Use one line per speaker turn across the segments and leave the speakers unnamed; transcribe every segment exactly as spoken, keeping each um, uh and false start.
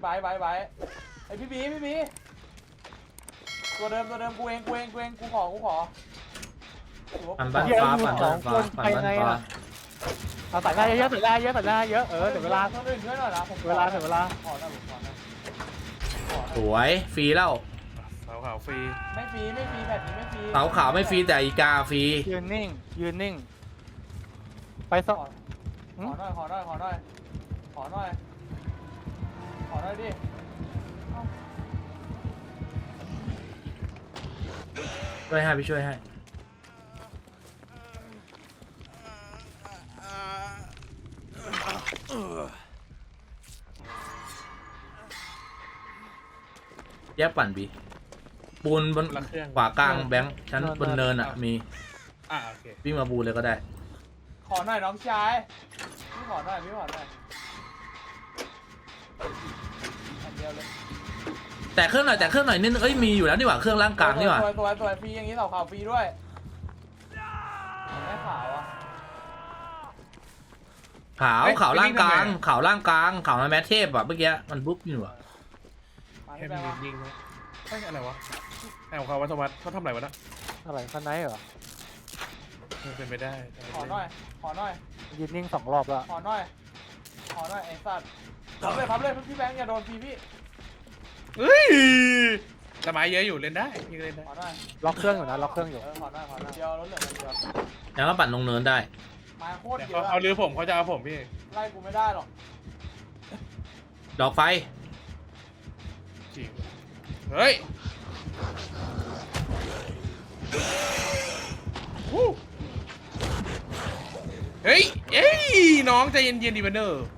ไบไบไบไอพี่บีพี่บีตัวเดิมตัวเดิมกูเองกูเองกูเองกูขอกูขอ
ปั่นบ้านฟ้าปั่นบ้านฟ้าปั่นบ้านฟ้า
เอาใส่หน้าเยอะๆใส่หน้าเยอะใส่หน้าเยอะเออเดี๋ยวเวลา
ต้องอื่นช่วยหน่อยนะผม
เวลาถึงเวลา
ขอหน่อยผมขอหน่อย
สวยฟรีแล้ว
เสาขาวฟรี
ไม่ฟรีไม่ฟรีแบบนี้ไม่ฟรี
เสาขาวไม่ฟรีแต่อีกาฟรี
ยืนนิ่งยืนนิ่งไปส
ข
อ
อขอหน่อยขอหน่อยขอหน่อยขอหน่อยขอหน่อยดิ
ช่วยให้พี่ช่วยให้แยกปั่นบีปูนบน
ละเครื่อง
ขวากลางแบงค์ชั้นบนเนินอ่ะมี
อ่าโอเค
วิ่งมาบูนเลยก็ได้
ขอหน่อยน้องชายพี่ขอหน่อยพี่ขอหน่อยอันเดียวเลย
แต่เครื่องหน่อยแต่เครื่องหน่อยนิดนึงเอ้ยมีอยู่แล้วนี่หว่าเครื่องล่างกลางนี่หว่า
ตัวตัวตัวฟรีอย่างนี้เสาขาวฟรีด้วยไม่ขาวอ่ะ
ขาวขาวล่างกลางขาวล่างกลางขาวมาแมทเทพอ่ะเมื่อกี้มันบุ๊บอยู่อ่ะ
มา
ให้
ที่
มั
แบ
น
งค์
ยิงนะเฮ้ยอะไรวะไอ้ของเขาวัฒวัฒน์เขาทำอะไรวะนะ
อะไรข้างในเหรอ
เป็นไปได้
ขอหน่อยขอหน่อย
ยืนนิ่งสองรอบแล้ว
ขอหน่อยขอหน่อยไอ้สัตว์พับเลยพับเลยพี่แบงค์อย่าโดนฟรีพี่
เฮ้ยละไม้เยอะอยู่เล่นได้ยิงเล่นได้
ขอหน่อย
ล็อกเครื่องอยู่นะล็อกเครื่องอยู่
เออขอหน่อยขอหน่อยเดียวรถเหลืองเดียว
แล้วก็ปั่นลงเนินได้
มาโคตร
เดี๋ยว
เย
เขา
อะ
เอาเรือผมเขาจะเอาผมพี่
ไล่กูไม่ได้หรอก
ดอกไฟ
จริงเฮ้ยวู้เฮ้ยเอ้ยน้องใจเย็นๆดีบันเนอร์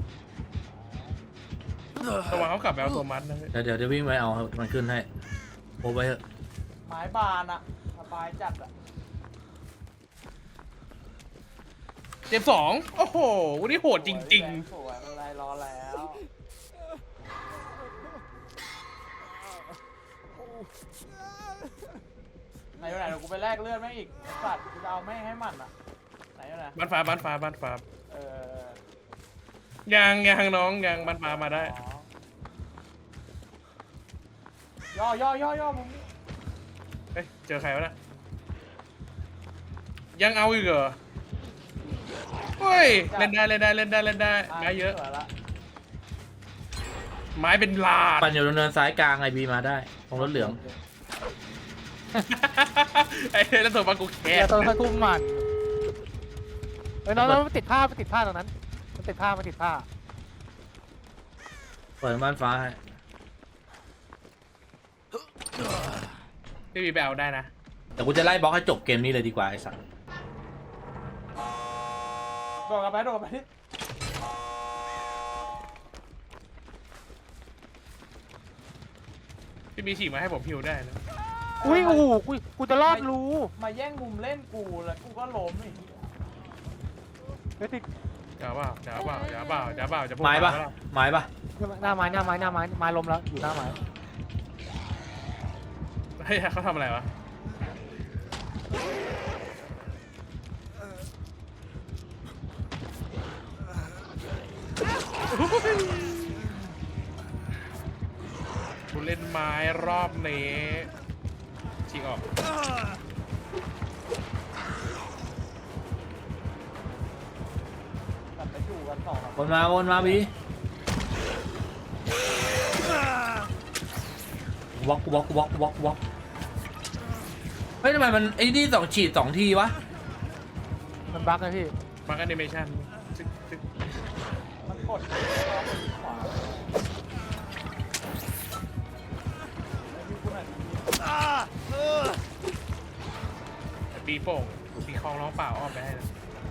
ระวังเขากลับไปเอาตัวมัดนะ
เดี๋ยวเดี๋ยวจะวิ่งไปเอามันขึ้นให้โอ้ไปเถอะ
ไม้บานอะสบายจัดอะ
เจ็บสองโอ้โหวันนี้โหดจริง
ๆสวยอะไรรอแล้วไหนอยู่ไหนเดี๋ยวกูไปแลกเลือดแม่งอีกไอ้สัตว์กูจะเอาแม่งให้มันอะไหนอยู่ไหน
ๆบ้านฟ้าบ้านฟ้าบ้านฟ้า
เออ
ยังยังน้องยังบ้านฟ้ามาได้
ย่อย่อย่อย่อมึง
เฮ้ยเจอใครวะนะยังเอาอีกเหรอเฮ้ยเล่นได้เล่นได้เล่นได้เล่นได้ไม้เยอะ
สวยละ
ไม้เป็นลาด
ปั่นอยู่ตรงเนินซ้ายกลางไอบีมาได้ตรงรถเหลือง
ไอ้แล้วตัวมากูแค
เดี๋ย
ส
วตัวทุ่มมันเอ้ยน้องน้องมันติดผ้ามันติดผ้าตรงนั้นมันติดผ้ามันติดผ้า
เปิดบ้านฟ้าให้
พี่บีไปเอาได้นะ
แต่กูจะไล่บล็อกให้จบเกมนี้เลยดีกว่าไอ้สัส
โดดกลับไปโดดกลับไปที่
พี่บีฉีกมาให้ผมพิวได้นะ
อุ้ยโอ้โหกูกูจะรอดรู
มาแย่งมุมเล่นกูแล้วกูก็ล้มอีก
เฮ้ยติด
จ๋าเปล่าจ๋าเปล่าจ๋าเปล่าจ๋าเปล่าจะพูด
ไม้ปะ
เปล่า
ไม้ปะ
หน้าไม้หน้าไม้หน้าไม้ไม้ล้มแล้วอยู่หน้าไม้
เฮ้ยเขาทำอะไรวะกูเล่นไม้รอบนี้ฉีกออก
กลับไปอยู่กันสอง
วนมาวนมาบีวอกวอกวอกวอกวอกเฮ้ยทำไมมันไอ้นี่สองฉีดสองทีวะ
มันบั๊กนะพี่
มาร์กแอนิเมชันซึกซึก
มันกดขวาพี่กูหน่อย
ตีโป่งตีคลองร้องเปล่าอ้อมไปให้นะ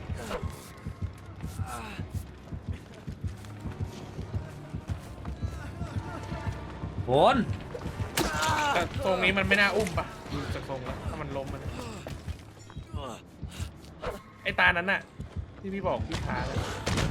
วน
แต่ตรงนี้มันไม่น่าอุ้มปะดูจากทรงแล้วถ้ามันล้มมันไอตานั้นน่ะที่พี่บอกพี่พาเลย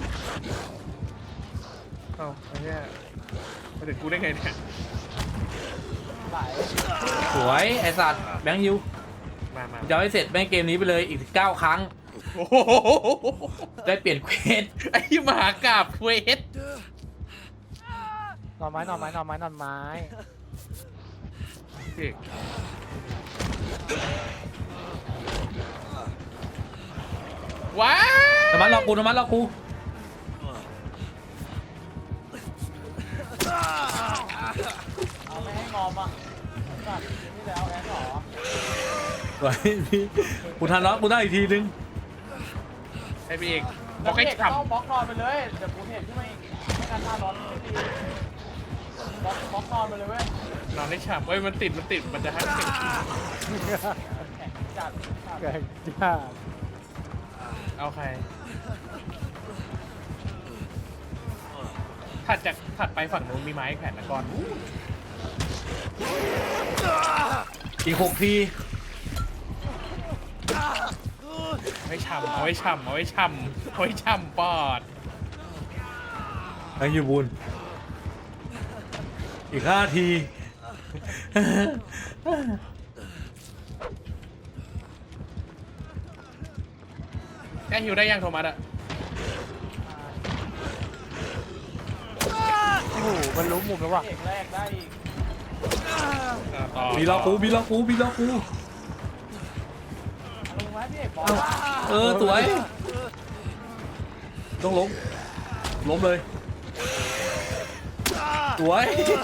เอ้าไอ้เนี่ยมาถึงกูได้ไงเนี่ย
ไหล
สวยไอ้สัตว์แบงค์ยู
มามา
จะให้เสร็จแม่งเกมนี้ไปเลยอีกเก้าครั้ง
โอ้โห
ได้เปลี่ยนเควส
ไอ้มหากราบเควส
รนอนไม้นอนไม้นอนไม้นอนไม้
พี่ว้า
ธรรมะรอกูธรรมะรอกู
เอาไม่ให้งอมอ่ะสัตว์นี่แล้วแอนหรอ
สวยพี่กูทันแล้วกูได้อีกทีนึง
ให้พี่เอกบ
แล้
อ
ว
กให้
เอกก็
ขับ
ต้องบล็อกนอนไปเลยเดี๋ยวกูเห็นขึ้นมาอีกไม่การท่าร้อนไม่ดีบล็อกบล็อกนอนไปเลยเว้ย
นอนได้ฉ่ำเอ้ยมันติดมันติดมันจะให้ติด
แข็งจัดจัด
แกงจ้า
เอาใครถัดจากถัดไปฝั่งนู้นมีไม้แขวนตะกอน
อีกหกที
เอาไว้ฉ่ำเอาไว้ฉ่ำเอาไว้ฉ่ำเอาไว้ฉ่ำปอด
ไอ้ยูบุญอีกห้าที
แกฮิวได้ยังโทมัสอะ
โอ้โหมันรู้มุมแล้วว่ะ
เอกแรกได้อีก
อ่ะต่อ
มีล็อกกูมีล็อกกูมีล็อกกู
เอาลงมาพี่เอกบอกว่า
เออสวยต้องล้มล้มเลยสวย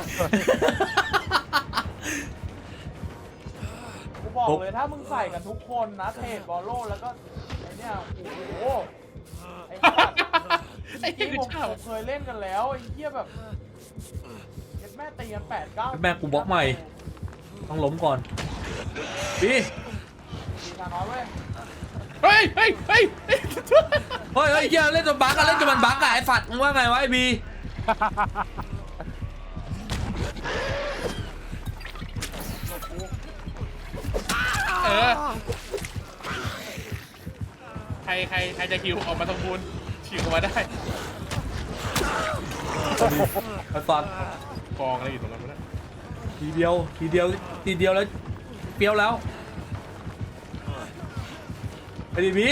กูบอกเลยถ้ามึงใส่กันทุกคนนะเทรดบอลโลแล้วก็ไอเนี่ยโอ้โหไอ้สัตว์
ไอ้
จริ
เหี้
ง
ย
ผม
ฉ่
ผมเคยเล่นกันแล้วไอ้เหี้ยแบบเอ็ดแม่ตีกันแปดเก้า
แม่กูบล็อกใหม่ต้องล้มก่อนพี่
ตีทางน้อยเว้ย
ำเฮ้ยเฮ้ยเฮ้ยเฮ้ย
เฮ้ยเฮ้ยเหี้ยเล่นจนบั๊กอะเล่นจนมันบั๊กอะไอ้ฝัดมึงว่าไงวะไอ้บี
เออใครใครใครจะฮิวออกมาตรงบูนฉีกออกมาได้
ไอ้ฝัด
กองอะไรอยู่ตรงนั้นวะเนี่ย
ทีเดียวทีเดียวทีเดียวแล้วเปรี้ยวแล้วไอ้ดิบี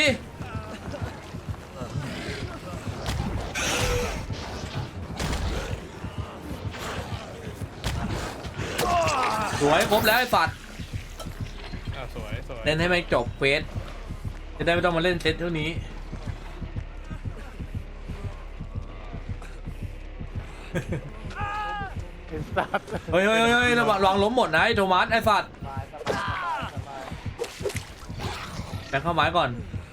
สวยครบแล้วไอ้ฝัด
อ่ะสวยสวย
เล่นให้มันจบเควสจะได้ไม่ต้องมาเล่นเซตเท่านี้
เป็นสัตว์
เฮ้ยเฮ้ยเฮ้ยระวังระวังล้มหมดนะไอ้โทมัสไอ้ฝัด
สบายสบายสบายสบาย
แบงเข้าไม้ก่อน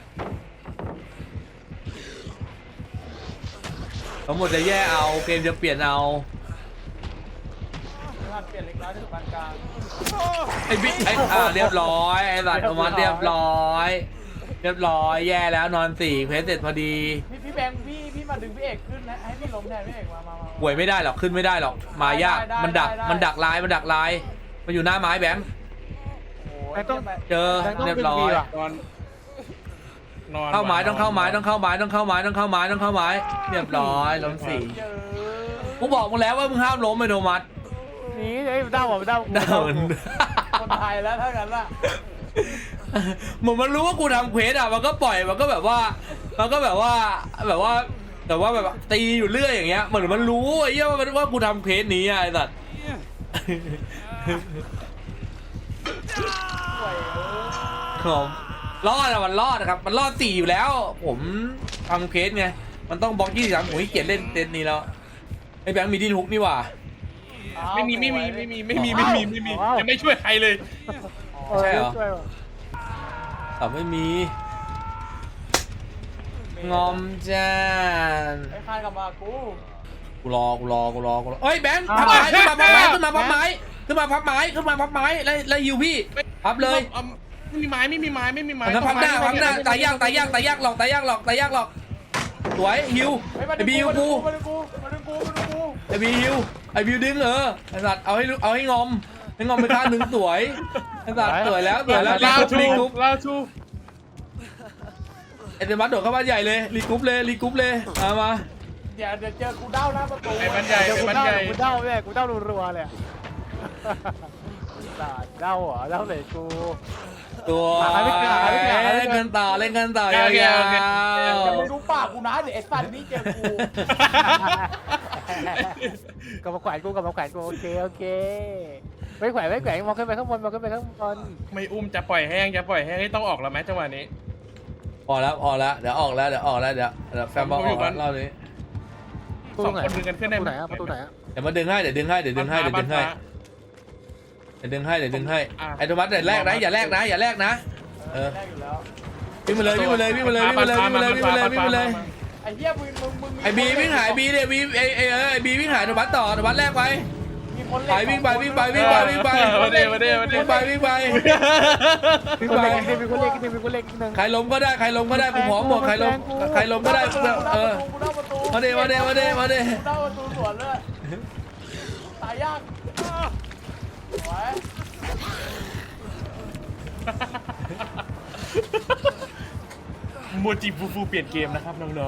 ทั้งหมดจะแย่เอาเกมจะเปลี่ยนเอา
ถ้าเปลี่ยนเล็กน้อยถึงปานกลาง
ไอ้บิ๊กไอ้อ่าเรียบร้อยไอ้สัตว์โทมัสเรียบร้อยเรียบร้อยแย่แล้วนอนสี่เพจเสร็จพอดี
พี่พี่แบงค์พี่พี่มาดึงพี่เอกขึ้นนะให้พี่ล้มแทนพี่เอกมามามา
ป่วยไม่ได้หรอกขึ้นไม่ได้หรอกมายาก
ได้ได้
มันดัก
ได้
มันดักลายมันดักลายมันอยู่หน้าไม้แบงค์
โอ้
ไอ้
ย
ต้อง
เจอ
แบงค์ต้อง
เรียบ
ดึง
ร้อ
ดี
ย
ว่ะ
นอนนอน
เข้าไม้ต้องเข้าไม้
นน
ต้องเข้าไม้ต้องเข้าไม้ต้องเข้าไม้ต้องเข้าไม้เรียบร้อยล้มสี่
เจอ
กูบอกมึงแล้วว่ามึงห้ามล้มไอ้โทมัส
หนีไอ้ด้าวบอกด้าว
เดิน
คนไทยแล้วถ้างั้นล่ะ
เหมือนมันรู้ว่ากูทำเควสอ่ะมันก็ปล่อยมันก็แบบว่ามันก็แบบว่าแบบว่าแต่ว่าแบบตีอยู่เรื่อยอย่างเงี้ยเหมือนมันรู้ไอ้เหี้ยว่ามันว่ากูทำเควสนี้อ่ะไอ้สัตว์
ป่วยเออ
ผมรอดอะมันรอดนะครับมันรอดสี่อยู่แล้ว ผมทำเควสไงมันต้องบล็อกยี่สิบสามผมขี้เกียจเล่นเซตนี้แล้วไอ้แบงค์มีดินฮุกนี่หว่า
ไม่มีไม่มีไม่มีไม่มีไม่มีไม่มียังไม่ช่วยใครเลย
ใช่เหรอ
ช่วยว่ะ
แต่ไม่มีงอมจ้าน
ไอ้คานกลับมากู
กูรอกูรอกูรอกูรอเอ้ยแบงค์พับไม้ขึ้นมาพับไม้ขึ้นมาพับไม้ขึ้นมาพับไม้ขึ้นมาพับไม้แล้วแล้วฮิวพี่พับเลย
อาไม่มีไม้ไม่มีไม้ไม่มีไม้
มันพับหน้าพับหน้าตายยากตายยากตายยากหลอกตายยากหลอกตายยากหลอกสวยฮิว
เฮ้ยมา
ไอ
ดึง
บีฮิว
กู
กู
มาดึงกูมาดึงกูมาดึงกู
ไอบีฮิวไอบิวดึงเออไอสัตว์เอาให้เอาให้งอมให้งอมไปข้างหนึ่งสวยไอสัตว์สวยแล้วสวยแล้ว
ลา
รี
ชู
กรุ๊ป
ลาชู
ไอเดมัสโดดเข้าบ้านใหญ่เลยรีกรุ๊ปเลยรีกรุ๊ปเลยมามา
เดี๋ยวเดี๋ยวเจอกูเด้าหน้าประตู
ไอ้บ้านใหญ่
เดี๋ยว
ไอ้
กู
บ้าน
เด้า
ใหญ่
กูเด้าเนี่ยกูเด้ารัวๆเลยอะด่าเด้าเหรอเด้าเลยกู
ตัว
หาไม่เจอหาไม่เจอหาไม่เจอ
เล่นกันต่อเล่นกันต่อยาว
เดี๋ยวมึงดูปากกูนะเดี๋ยวไอ้สัตว์นี่เจอกู
ๆ
กลับมาแขวนกูกลับมาแขวนกูโอเคโอเคไม่แขวนไม่แขวนมองขึ้นไปข้างบนมองขึ้นไปข้างบน
ไม่อุ้มจะปล่อยแห้งจะปล่อยแห้งให้ต้องออกแล้วไหมจังหวะนี้
ออกแล้วออกแล้วเดี๋ยวออกแล้วเดี๋ยวออกแล้วเดี๋ยวเดี๋ยวแฟนบอลออกแล้วรอบนี้
สองคนดึงกันขึ้นได้
ประตู
ไหม
ไหนอะประตูไหนอะ
เดี๋ยวมาดึงให้เดี๋ยวดึงให้เดี๋ยวดึงให้เดี๋ยวดึงให้เดี๋ยวดึงให้เดี๋ยวดึงให้ไอ้โทมัสเดี๋ยวแรกนะอย่าแรกนะอย่าแรกนะเออ
แรกอยู่แล้ว
วิ่งมาเลยวิ่งมาเลยวิ่งมาเลยวิ่งมาเลยวิ่งมาเลยวิ่งมาเลยวิ่งมาเลย
ไอ้เหี้ยมึงมึงมึงมี
ไอ้บีวิ่งหายบีเนี่ยบีไอ้ไอ้เออไอ้บีวิ่งหายโทมัสต่อโทมัสแรกไป
มีคน
ไปวิ่งไปวิ่งไปวิ่งไปวิ่งไป
มาเด้มาเด้มาเด้
วิ่งไปวิ่งไป
มี
วิ่ง
คน
ไป
เล็กนิดนึงมีคนเล็กนิดนึงมีคนเล็กนิดนึง
ใครล้มก็ได้ใครล้มก็ได้กูพร้อมหมดใครล้มใครล้มก็ได้เออ
กูเล่าประตู
มาเดมาเดมาเดมาเด
กูเล่าประตูสวนเลยตายยากสวย
โมจิฟูฟูเปลี่ยนเกมนะครับน้อง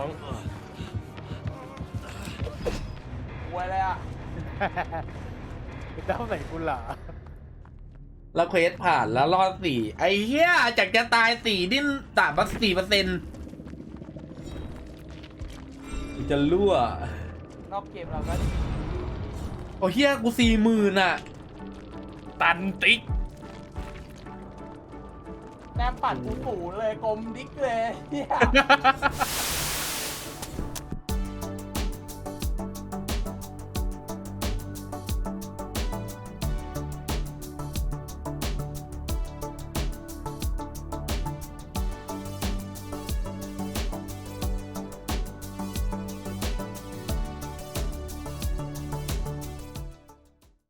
หวยเลยอ่ะ
เจ้าไหนกูเหรอ
แล้วเควสผ่านแล้วรอดสี่ไอ้เหี้ยจากจะตายสี่ดิ้นต่างมาสี่เปอร์เซ็นต์จะรั่วน
อกเกมเราก็
โอ้เหี้ยกูสี่หมื่นอ่ะ
ๆตันติ๊ก
แนมปัดกูสูเลยกลมดิ๊กเลยเหี้ย